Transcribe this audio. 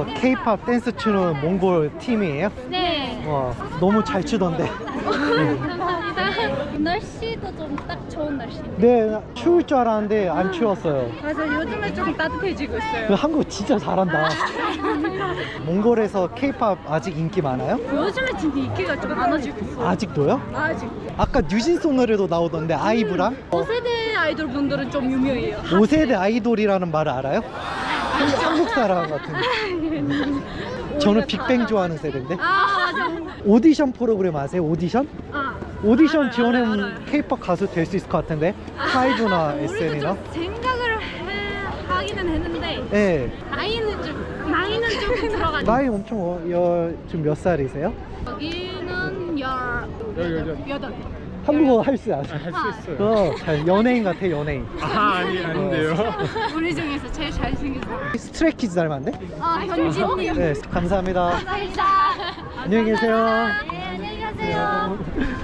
K-pop 댄스 추는 몽골 팀이에요? 네. 와, 너무 잘 추던데. 감사합니다. 날씨도 좀 딱 좋은 날씨. 네, 추울 줄 알았는데 안 추웠어요. 맞아, 요즘에 좀 따뜻해지고 있어요. 한국 진짜 잘한다. 몽골에서 K-pop 아직 인기 많아요? 요즘에 진짜 인기가 좀 많아지고 있어요. 아직도요? 아직. 아까 뉴진스 노래도 나오던데 아이브랑? 5세대 아이돌 분들은 좀 유명해요. 5세대 아이돌이라는 말을 알아요? 한국 사람 같은데. 저는 빅뱅 좋아하는 세대인데. 아, 맞아. 오디션 프로그램 아세요? 오디션? 아, 오디션 알아요, 지원하면 알아요. K-pop 가수 될 수 있을 것 같은데. 하이브나 우리도 SN이나. 좀 생각을 하기는 했는데 네. 나이는 조금 들어가지고. 나이 엄청 지금 몇 살이세요? 여기는 여덟. 한국어 할 수 아세요? 할 수 있어요. 잘 연예인 같아, 연예인. 아닌데요. 우리 중에서 제일 잘생겼어. 스트레이키즈 닮았네? 아, 현진님. 네, 감사합니다. 감사합니다. 안녕히 계세요. 네, 안녕히 가세요.